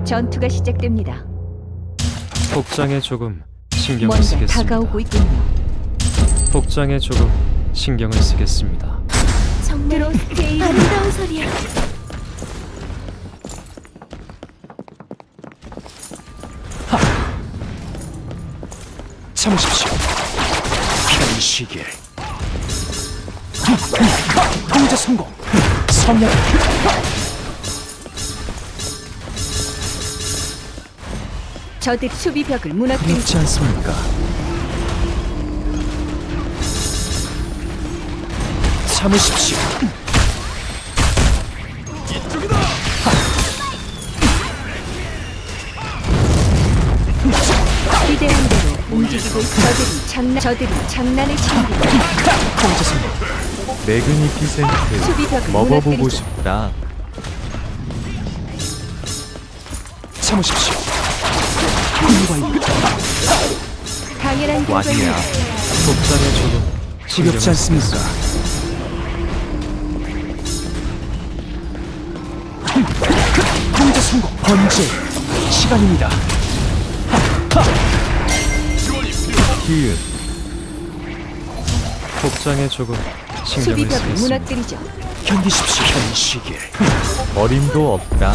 전투가 시작됩니다. 복장에 조금 신경을 뭔가 쓰겠습니다. 다가오고 있군요. 복장에 조금 신경을 쓰겠습니다. 정말 아름다운 소리야. 참으십시오. 편히 쉬길. 통제 성공. 성약. 저들 수비벽을 무너뜨리죠. 그렇지 않습니까? 참으십시오. 기대한 대로 움직이고 있어. 저들이 장난을 치는군요. 통제 성공. 매그니피센트 수비벽을 먹어보고 무너뜨리죠. 싶다. 참으십시오. 군과 이끌. 당연한 완이야. 결과입니다. 복장에 조금 지겹지 신경을 않습니까? 통제 성공. 번제 시간입니다. 히읗 복장에 조금 신경을 수비벽을 쓰겠습니다. 무너뜨리죠. 견디십시오. 편히 쉬길. 어림도 없다.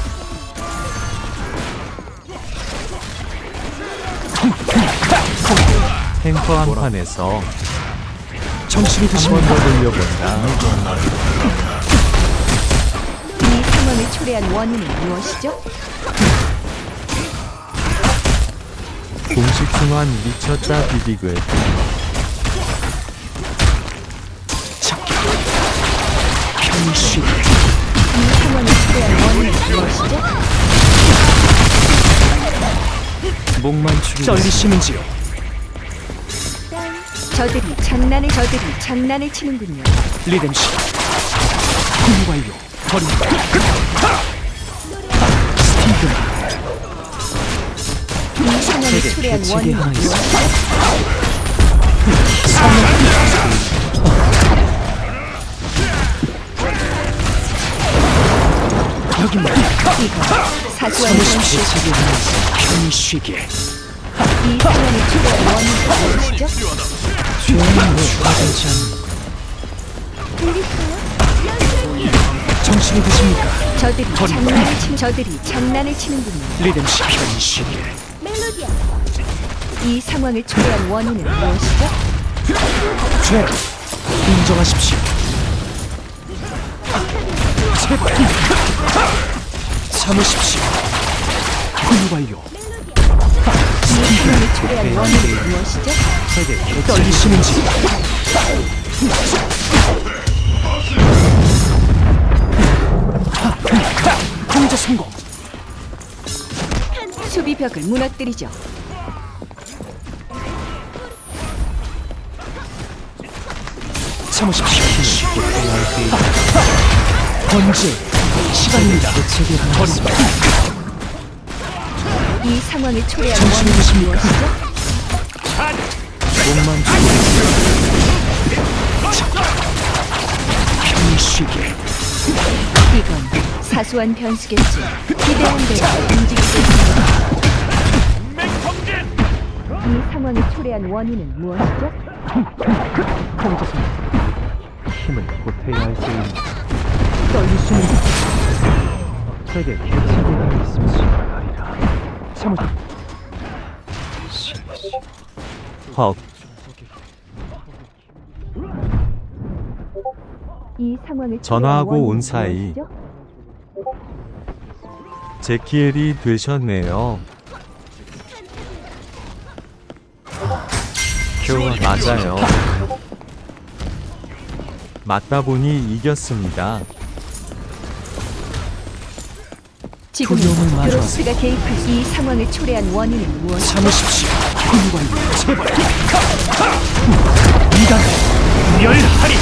탱커 한 판에서 정신이 한 번 드십니까? 더 돌려본다. 이 상황을 초래한 원인은 무엇이죠? 공식 순환 미쳤다 비비글. 편히 쉬길. 이 상황을 초래한 원인은 무엇이죠? 목만 축이겠습니다. 떨리시는지요? 저들이 장난을 치는군요. 리듬시. 군관료 버린다. 스티븐. 이 상황을 초래한 대책이 원인은 하나 있어. 무엇이죠? 여기입니다. 이건 사소한 참으십시오. 현실. 대책이 하나 있어. 편히 쉬길. 이 상황을 초래한 원인은 무엇이죠? 죄는 왜 화되지 않는 정신이 드십니까? 저들이 장난을 치는군요. 리듬시 편히 쉬길. 이 상황을 초래한 원인은 무엇이죠? 죄 인정하십시오. 제발 참으십시오. 군 완료. 이 상황을 초래한 원인은 무엇이죠? 떨리시는지. 통제 성공. 수비벽을 무너뜨리죠. 참으십시오. 번제 시간입니다. 대책이 하나 있습니다. 이 상황을 초래한 정신이 원인은 드십니까? 무엇이죠? 목만 죽이겠습니다. 편히 쉬길. 이건 사소한 변수겠지. 기대한 대로 움직이고 있습니다. 이 상황을 초래한 원인은 무엇이죠? 통제 성공. 힘을 보태야 할 때입니다. 떨리시는지. 제게 개체기가 있습니다. 참으. 헉 이 상황을 전화하고 초래한 온 원인은 사이 무엇이죠? 제키엘이 되셨네요. 맞아요. 맞다 보니 이겼습니다. 지금 두려움을 마주하세요. 드로스가 개입할 이 상황을 초래한 원인은 무엇이죠? 참으십시오. 군 완료. 제발. 이단 멸하리.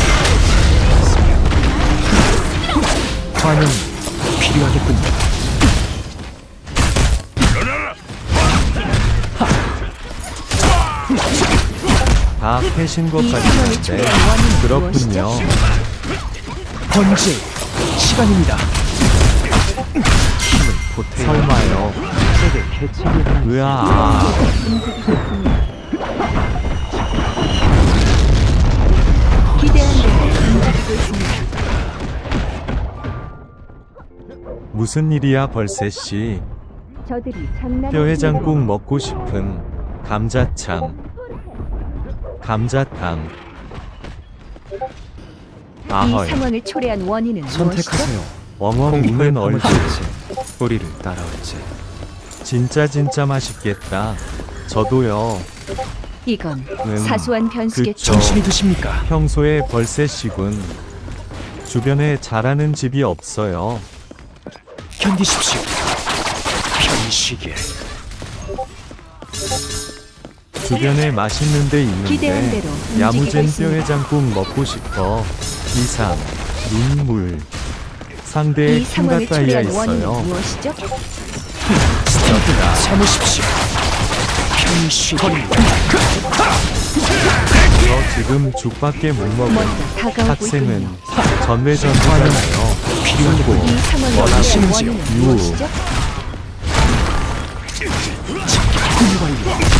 관용 필요하겠군요. 다 패신 것 이 상황을 같은데 초래한 원인은 그렇군요. 무엇이죠? 번제 시간입니다. 힘을 설마요. 제게 개책이 하나 으아. 기대한 대로 움직이고 있습니다. 무슨 일이야 벌새씨. 저들이 장난을 뼈해장국 먹고 싶음. 감자창. 감자탕. 이 아헐. 상황을 초래한 원인은 무엇이죠? 선택하세요. 엉엉 공포에 우는 얼굴. 파묻힐지 우리를 따라올지. 진짜 맛있겠다. 저도요. 이건 사소한 변수겠죠. 그쵸. 정신이 드십니까? 평소에 벌새씨군. 주변에 잘하는 집이 없어요. 견디십시오. 편히 쉬게. 주변에 맛있는 데 기대한 있는데 대로 움직이고 야무진 있습니다. 뼈해장국 먹고 싶어. 이상 눈물. 상대의 이 상황을 킹가따이야 초래한 원인은 있어요. 무엇이죠? 참으십시오. 편히 쉬게. 저 지금 죽밖에 못 먹은 뭔가 다가오고 학생은 있군요. 전매전투잖아요. 필요하고 이 상황을 초래한 원하시는지요? 원인은 유. 무엇이죠? 군이 완료.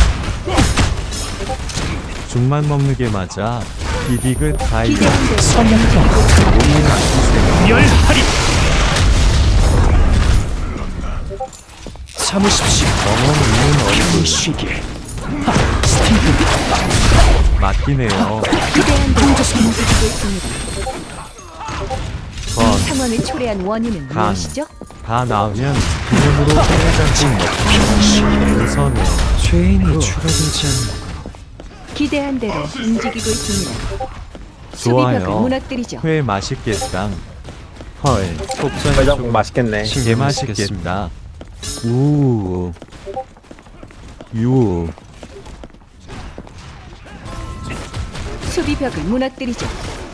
죽만 먹는 게 맞아. 비디그 다이어. 기대한 대로 선약경 오늘 아끼세요. 멸하리. 참으십시오. 엉엉 우는 편히 얼굴. 쉬게. 맞긴 해요. 기대한 대로 움직이고 있습니다. 건. 이 상황을 초래한 원인은 간. 무엇이죠? 다 나오면 기념으로 뼈해장국 먹고 우선은 죄인이 추가되지 않는 기대한 대로 움직이고 있습니다. 좋아요. 수비벽을 무너뜨리죠. 회 맛있겠다. 헐. 복장의 해장국 조금 맛있겠네. 개 신경을 쓰겠습니다. 맛있겠다. 우. 유. 수비벽을 무너뜨리죠.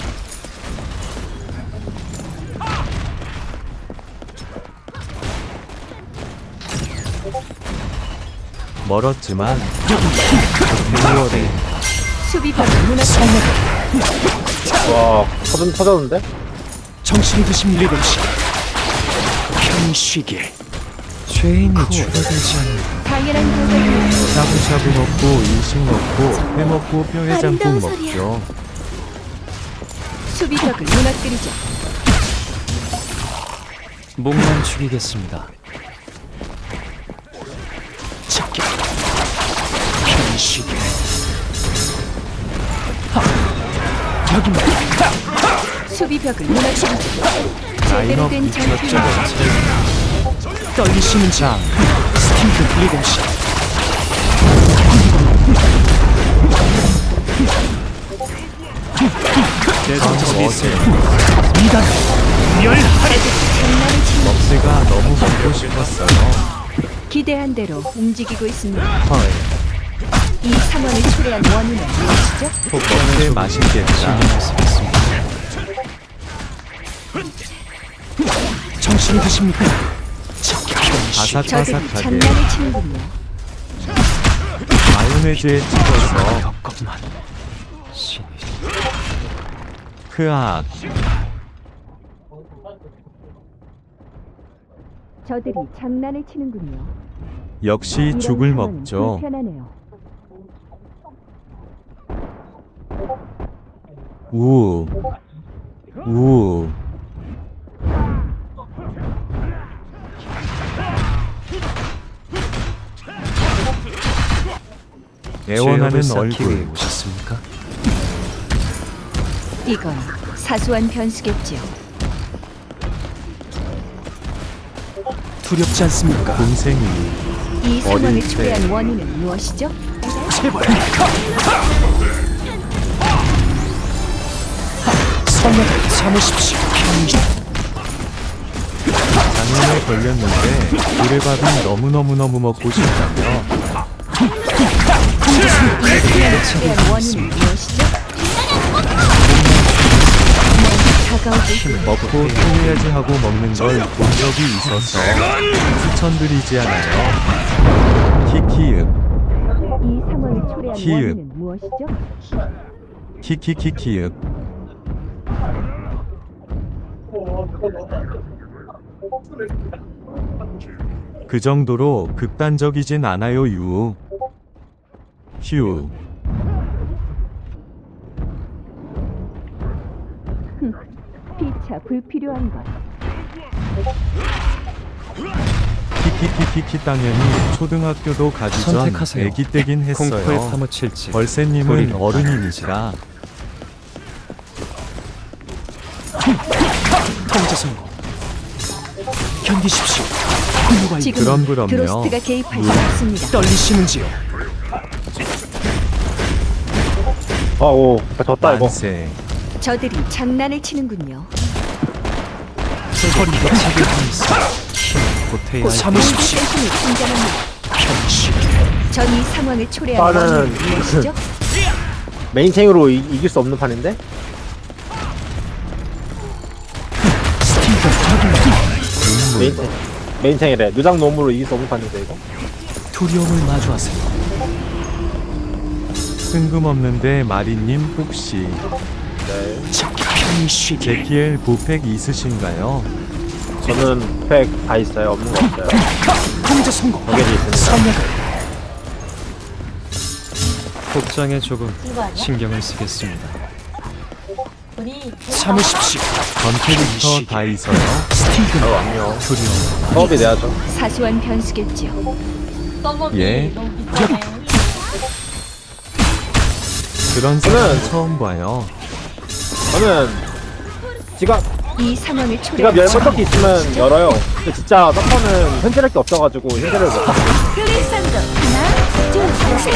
멀었지만 6월에 수비벽을 무너뜨리죠. 와, 터졌는데? 정신이 드십니까? 7시. 편히 쉬게. 죄인이 추가되지 않는 당연한 결과입니다. 샤브샤브 먹고 일식 먹고 회 먹고 뼈해장국 아름다운 소리야. 먹죠. 수비벽을 무너뜨리죠. 목만 죽이겠습니다. 작게. 편히 쉬게. 여기만. 수비벽을 무너뜨리죠. 제대로 라인업 된 미쳤죠. 전투입니다. 떨리시는 장. 스티브 7시. 전 어제 이단. 멸하리. 장난을 치는 먹새가 너무 먹고 싶었어요. 기대한 대로 움직이고 있습니다. 헐. 이 상황을 초래한 원인은 무엇이죠? 먹새 맛있겠다. 신경을 쓰겠습니다. 정신이 드십니까? 작게 편히 쉬게. 저들이 바삭바삭하게 장난을 치는군요. 마요네즈에 찍어서 것만. 신이 크악. 저들이 장난을 치는군요. 역시 이런 죽을 상황은 먹죠. 불편하네요. 우. 우. 애원하는 죄업을 쌓기 위해 얼굴. 오셨습니까? 이건 사소한 변수겠지요. 두렵지 않습니까? 곰생이. 이 상황을 어릴 때. 초래한 원인은 무엇이죠? 제발. 선약을 참으십시오. 편히 쉬. 장염에 걸렸는데 고래밥이 너무너무너무 먹고 싶다며. 초래한 원인은 무엇이죠? 다가오고 있습니다. 먹고 토해야지 하고 먹는 걸 본 적이 있어서 추천드리지 않아요. 키키읍. 이 상황을 초래한 키읔. 원인은 무엇이죠? 키키키키읍. 그 정도로 극단적이진 않아요 유. 휴. 피차 불필요한 것. 키키키키키 당연히 초등학교도 가기 전 선택하세요. 애기 때긴 공포에 했어요. 파묻힐지 벌새님은 우리는 어른이니시라. 통제 성공. 견디십시오. 훌륭한 지금 그럼요. 드로스트가 개입할 수 없습니다. 떨리시는지요? 오, 졌다 이거. 만세. 저들이 장난을 치는군요. 허리가 책을 보냈어. 보태야 할 참으십시오. 센신이 등장합니다. 편식. 전 이 상황을 초래한 나는 원인은 무엇이죠? 메인탱으로 이길 수 없는 판인데? 스티븐 저기 메인탱이래. 누장 놈으로 이길 수 없는 판인데 이거? 두려움을 마주하세요. 뜬금없는데 마리님 혹시 네. 편히 쉬게. 제키엘 보팩 있으신가요? 저는 팩 다 있어요. 없는 거 없어요. 통제 성공. 저게도 있습니다. 선약을 복장에 조금 이거 아니야? 신경을 쓰겠습니다. 우리 전 참으십시오. 캐릭터 다 있어요. 스티븐 안녕. 두려움. 사업이 내야죠. 사소한 변수겠지요. 떡볶이 예. 너무 비싸네. 그런 저는- 사람 처음 봐요. 저는 지갑 이 상황을 지갑 초래한 열번 턱이 있으면 열어요. 근데 진짜 서퍼는 현질할 게 없어가지고 현질을 못. 클리산더 하나, 둘, 셋.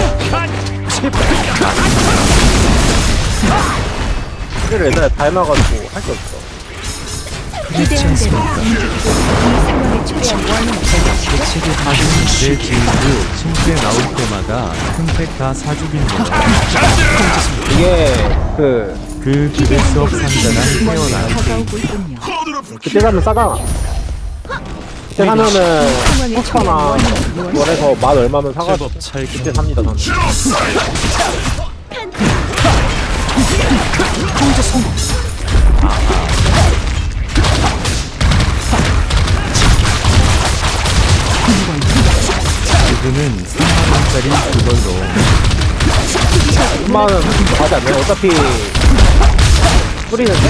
현질을 옛날에 다 해놔가지고 할 게 없어. 기대한 대로 움직이고 이 상황을 초래한 원인은 무엇이죠? 내 친구 침대 나올 때마다 큰 팩 다 사주긴 거예요. 이게 그 기댈 수 없 상자랑 뭔가 태어난 다가오고 있군요. 그때 사면 싸잖아. 그때 사면은 상황을 초래한 포스터나 원인은 무엇이죠? 원에서 만 얼마면 사가지고 제법 잘 그때 삽니다 저는. 통제 성공. 그는 3만원짜리 그걸로 10만 원 가지 않나요? 어차피 뿌리는데?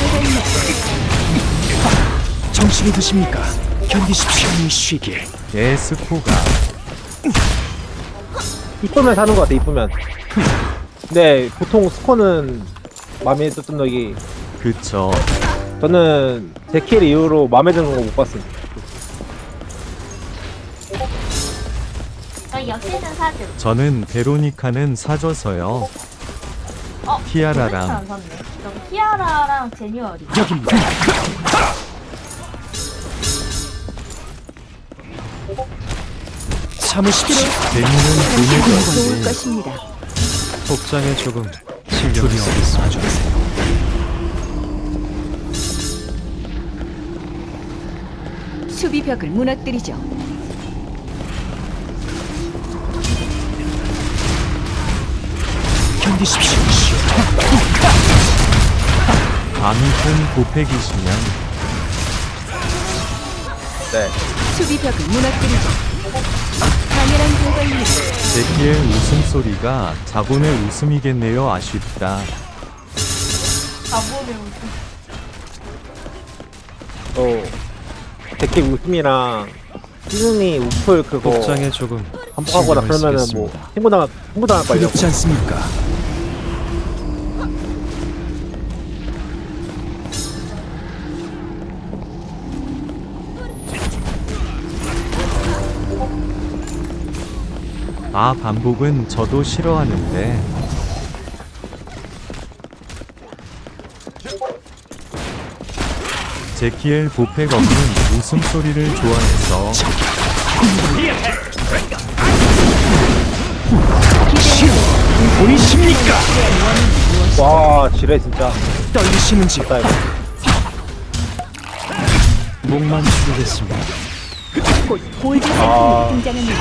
정신이 드십니까? 견디십시오. 편히 쉬게. 에스코가 이쁘면 사는 것 같아. 이쁘면. 근데 보통 스코는 마음에 들던 적이 그쵸. 저는 제킬 이후로 마음에 드는 거 못 봤습니다. 저희 역시는 사주. 저는 베로니카는 사줘서요. 티아라랑. 도대체 안 샀네. 저기 티아라랑 제뉴얼이. 여기입니다. 참으십시오. 데미는 당신이 돈을 좋을 벌지. 것입니다. 복장에 조금 신경을 두려움을 쓰겠습니다. 마주하세요. 수비벽을 무너뜨리죠. 견디십시오. 아미콘 보팩이시면 네. 수비벽을 무너뜨리죠. 당연한 결과입니다. 제키의 웃음소리가 자본의 웃음이겠네요. 아쉽다. 가보를 또 제킬 웃음이랑 시즈니 우플 그거 복장에 조금 반복하거나 신경을 그러면은 쓰겠습니다. 뭐 신고당할걸요. 두렵지 않습니까? 아 반복은 저도 싫어하는데 제키엘 보팩 없는 웃음소리를 좋아해서 보이십니까? 와 지뢰 진짜. 떨리시는지요? 나 이거. 목만 축이겠습니다. 곧 골드 아. 상품이 등장합니다.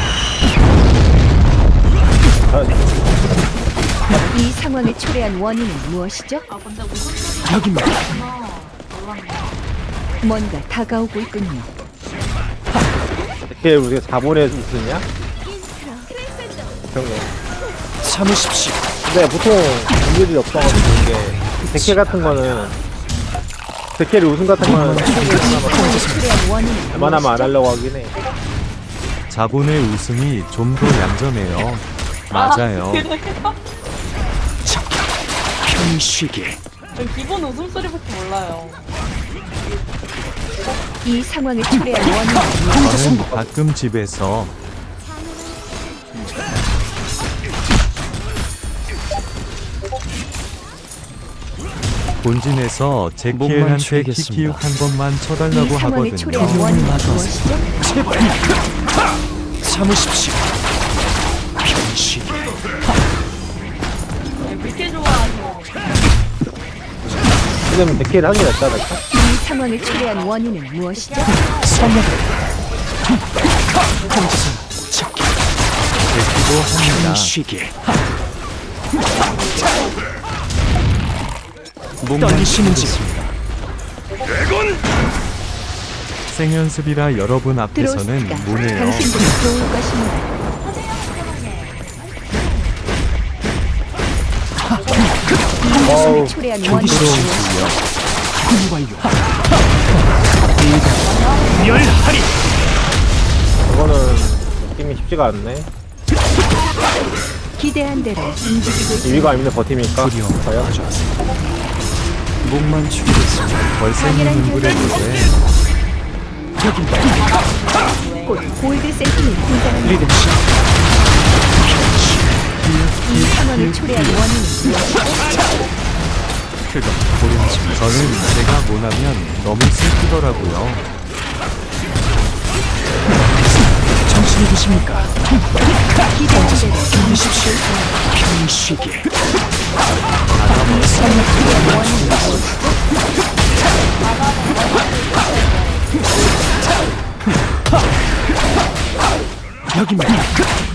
아, 이 상황을 초래한 원인은 무엇이죠? 아 근데 무슨 여기입니다. 소리구나. 몰랐네. 뭔가 다가오고 있군요. 데케 우리가 자본의 우승이야? 그런 거. 참으십시오. 근데 보통 문제들이 없어가지고 이게 데케 같은 거는 데케를 우승 같은 거는 상황을 초래한 원인은 웬만하면 안 하려고 하긴 해. 자본의 우승이 좀 더 얌전해요. 맞아요. 그래요? 편히 쉬길. 전 기본 웃음소리밖에 몰라요. 이 상황을 초래한 원인은 저는 가끔 집에서 본진에서 목만 제키엘한테 추리겠습니다. 키키육 한 번만 이 쳐달라고 상황을 하거든요. 초래한 원인은 무엇이죠? 제발. 참으십시오. 편히 쉬길. 왜 그렇게 좋아하세요? 지금 데케를 하는 게 낫지 않을까? 이 상황을 초래한 원인은 무엇이죠? 성령. 혼자서 찾기. 제키도 합니다. 편히 쉬길. 목만 떨리시는지 추리겠습니다. 생연습이라 여러분 앞에서는 들어오십시다. 뭐네요. 당신들이 좋을 것입니다. 이 상황을 초래한 원인은 견디십시오. 무엇이죠? 훈 완료. 멸하리. 이거는 느낌이 쉽지가 않네. 기대한 대로 움직이고 있습니다. 2위가 아니면 버티니까 과연? 목만 추리겠습니다. 벌생이 흥분해도돼. 여긴다. 곧 골드 세팅이 등장합니다. 리듬시. 이 상황을 초래한 원인은 무엇이죠? 그건 고려하지 저는 제가 못하면 너무 슬프더라고요. 정신이 드십니까? 기대한 대로 견디십시오. 편히 쉬길. 여기입니다.